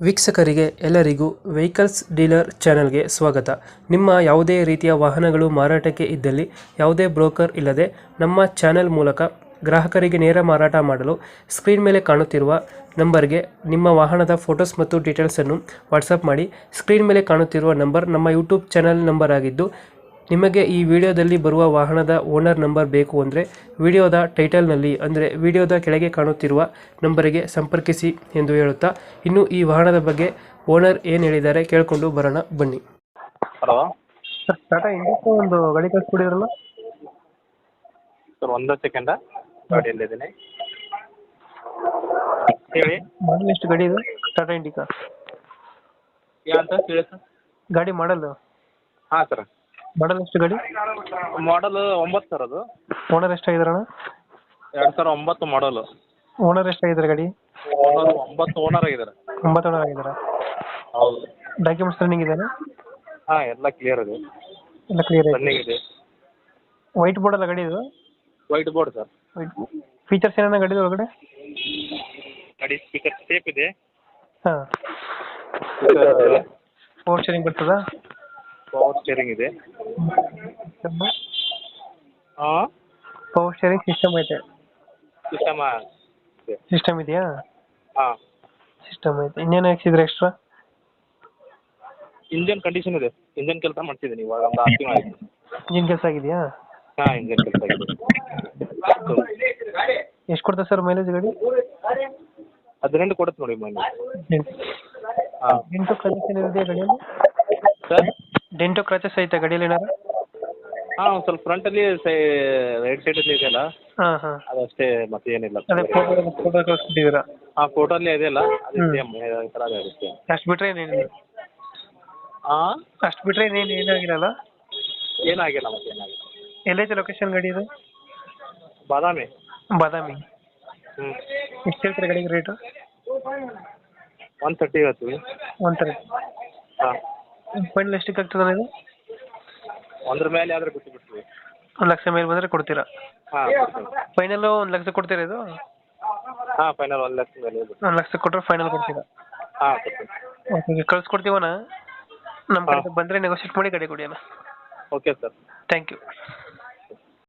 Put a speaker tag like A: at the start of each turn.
A: ವೀಕ್ಷಕರಿಗೆ ಎಲ್ಲರಿಗೂ vehicles dealer ಚಾನೆಲ್ಗೆ ಸ್ವಾಗತ. ನಿಮ್ಮ ಯಾವುದೇ ರೀತಿಯ ವಾಹನಗಳು ಮಾರಾಟಕ್ಕೆ ಇದ್ದಲ್ಲಿ ಯಾವುದೇ ಬ್ರೋಕರ್ ಇಲ್ಲದೆ ನಮ್ಮ ಚಾನೆಲ್ ಮೂಲಕ ಗ್ರಾಹಕರಿಗೆ ನೇರ ಮಾರಾಟ ಮಾಡಲು ಸ್ಕ್ರೀನ್ ಮೇಲೆ ಕಾಣುತ್ತಿರುವ ನಂಬರ್ಗೆ ನಿಮ್ಮ ವಾಹನದ ಫೋಟೋಸ್ ಮತ್ತು ಡೀಟೇಲ್ಸನ್ನು ವಾಟ್ಸಪ್ ಮಾಡಿ. ಸ್ಕ್ರೀನ್ ಮೇಲೆ ಕಾಣುತ್ತಿರುವ ನಂಬರ್ ನಮ್ಮ ಯೂಟ್ಯೂಬ್ ಚಾನೆಲ್ ನಂಬರ್ ಆಗಿದ್ದು, ನಿಮಗೆ ಈ ವಿಡಿಯೋದಲ್ಲಿ ಬರುವ ವಾಹನದ ಓನರ್ ನಂಬರ್ ಬೇಕು ಅಂದರೆ ವಿಡಿಯೋದ ಟೈಟಲ್ನಲ್ಲಿ ಅಂದರೆ ವಿಡಿಯೋದ ಕೆಳಗೆ ಕಾಣುತ್ತಿರುವ ನಂಬರಿಗೆ ಸಂಪರ್ಕಿಸಿ ಎಂದು ಹೇಳುತ್ತಾ, ಇನ್ನು ಈ ವಾಹನದ ಬಗ್ಗೆ ಓನರ್ ಏನು ಹೇಳಿದ್ದಾರೆ ಕೇಳಿಕೊಂಡು ಬರೋಣ ಬನ್ನಿ.
B: ಹಲೋ
A: ಸರ್, ಟಾಟಾ ಇಂಡಿಕಾ ಒಂದು ಗಾಡಿ ಕಳಿಸ್ಕೊಡಿದ್ರಲ್ಲ?
B: ಸರ್ ಒಂದು ಸೆಕೆಂಡ, ಗಾಡಿಯಲ್ಲಿದ್ದೀನಿ ಹೇಳಿ.
A: ಮಾಡಲ್ ಎಷ್ಟು ಗಾಡಿ ಇದು? ಟಾಟಾ ಇಂಡಿಕಾ
B: ಏನಂತ ಹೇಳಿ ಸರ್.
A: ಗಾಡಿ ಮಾಡಲ್
B: ಹಾಂ ಸರ್,
A: ಮಾಡಲ್ ಎಷ್ಟು ಗಾಡಿ?
B: ಮಾಡಲ್ 9 ಸರ್. ಅದು
A: ಓನರ್ ಎಷ್ಟಾಗಿದಾರಣ?
B: 2009 ಮಾಡಲು.
A: ಓನರ್ ಎಷ್ಟಾಗಿದ್ದಾರೆ ಗಾಡಿ?
B: ಓನರ್ 9 ಓನರ್ ಆಗಿದ್ದಾರೆ.
A: 9 ಓನರ್ ಆಗಿದ್ದಾರಾ?
B: ಹೌದು.
A: ಡಾಕ್ಯುಮೆಂಟ್ಸ್ ರನ್ನಿಂಗ್ ಇದೆಯಾ?
B: ಹಾಂ, ಎಲ್ಲ ಕ್ಲಿಯರ್ ಇದೆ,
A: ಎಲ್ಲ ಕ್ಲಿಯರ್ ಇದೆ.
B: ರನ್ನಿಂಗ್ ಇದೆ.
A: ವೈಟ್ ಬೋರ್ಡ್ ಅಲ್ಲ ಗಾಡಿ ಇದು?
B: White board sir.
A: ಫೀಚರ್ಸ್ ಏನೇನ ಗಾಡಿ ಒಳಗಡೆ?
B: ಗಾಡಿ ಸ್ಪೀಕರ್ ಸೇಫ್ ಇದೆ.
A: ಹಾಂ, ಪವರ್ ಸ್ಟೇರಿಂಗ್ ಬರ್ತದಾ?
B: ಪವರ್ ಸ್ಟೇರಿಂಗ್ ಇದೆ. ಹಾಂ,
A: ಪವರ್ ಸ್ಟೇರಿಂಗ್ ಸಿಸ್ಟಮ್ ಐತೆ?
B: ಇದೆ.
A: ಸಿಸ್ಟಮ್ ಇದೆಯಾ?
B: ಹಾಂ,
A: ಸಿಸ್ಟಮ್ ಐತೆ. ಇನ್ನೇನು ಹಾಕ್ಸಿದ್ರೆ ಎಕ್ಸ್ಟ್ರಾ?
B: ಇಂಜನ್ ಕಂಡೀಷನ್ ಇದೆ. ಇಂಜನ್ ಕೆಲಸ ಮಾಡ್ತಿದ್ದೀನಿ ಇವಾಗ ಒಂದು 6 ತಿಂಗಳು ಆಯಿತು.
A: ಇಂಜಿನ್ ಕೆಲಸ ಆಗಿದೆಯಾ?
B: ಹಾಂ, ಇಂಜನ್ ಕೆಲಸ ಆಗಿದೆ.
A: ಎಷ್ಟು ಕೊಡ್ತದೆ ಸರ್ ಮೈಲೇಜ್ ಗಾಡಿ?
B: 18 ಕೊಡುತ್ತೆ ನೋಡಿ ಮನೆ. ಹಾಂ
A: ಡೆಂಟು ಕ್ರಾಚಸ್ ಏನಿದೆ ಗಾಡಿಯಲ್ಲಿ?
B: ಸರ್,
A: ಡೆಂಟು ಕ್ರಾಚಸ್ ಐತೆ ಗಾಡಿಯಲ್ಲಿ ಏನಾರು?
B: ಹಾಂ, ಒಂದು ಸ್ವಲ್ಪ ಫ್ರಂಟಲ್ಲಿ ರೈಟ್ ಸೈಡಲ್ಲಿ ಇದೆಯಲ್ಲ,
A: ಹಾಂ ಹಾಂ,
B: ಅದಷ್ಟೇ, ಮತ್ತೆ ಏನಿಲ್ಲ.
A: ಅದೇ ಫೋಟೋ ಕಳಿಸ್ಬಿಟ್ಟಿದ್ದೀರಾ?
B: ಹಾಂ, ಫೋಟೋಲ್ಲಿ ಇದೆಯಲ್ಲ, ಅದು ಸೇಮ್ ಈ ಥರ ಇರುತ್ತೆ.
A: ಅಷ್ಟು ಬಿಟ್ಟರೆ ಏನೇನಿಲ್ಲ?
B: ಹಾಂ,
A: ಅಷ್ಟು ಬಿಟ್ಟರೆ ಏನಾಗಿರಲ್ಲ?
B: ಏನಾಗಿಲ್ಲ, ಮತ್ತೆ ಏನಾಗಿಲ್ಲ.
A: ಎಲ್ಲೈತೆ ಲೊಕೇಶನ್ ಗಾಡಿ ಇದು?
B: ಬಾದಾಮಿ.
A: ಬಾದಾಮಿ.
B: ಹ್ಞೂ,
A: ಎಷ್ಟು ಹೇಳ್ತೀರಾ ಗಾಡಿಗೆ ರೇಟು?
B: 130 ಹೇಳ್ತೀವಿ.
A: 130.
B: ಹಾಂ,
A: ಫೈನಲ್ ಎಷ್ಟಕ್ಕೆ ಆಗ್ತದೆ ಇದು?
B: ಒಂದ್ರ ಮೇಲೆ ಆದರೆ ಬಿಟ್ಟು ಬಿಡ್ತೀವಿ.
A: 1 ಲಕ್ಷ ಮೇಲೆ ಬಂದರೆ ಕೊಡ್ತೀರಾ?
B: ಹಾಂ,
A: ಫೈನಲ್ 1 ಲಕ್ಷ ಕೊಡ್ತೀರಾ ಇದು?
B: ಹಾಂ, ಫೈನಲ್ 1 ಲಕ್ಷ ಮೇಲೆ ಬಿಟ್ಟು.
A: 1 ಲಕ್ಷ ಕೊಟ್ಟರೆ ಫೈನಲ್ ಕೊಡ್ತೀರಾ?
B: ಹಾಂ, ಕೊಡ್ತೀವಿ.
A: ಓಕೆ, ಕಳ್ಸ್ಕೊಡ್ತೀವಣ್ಣ. ನಮ್ಮ ಕಡೆ ಬಂದರೆ ನೆಗೋಷಿಯೇಟ್ ಮಾಡಿ ಗಾಡಿ ಕೊಡಿ ಅಣ್ಣ.
B: Okay sir.
A: Thank you.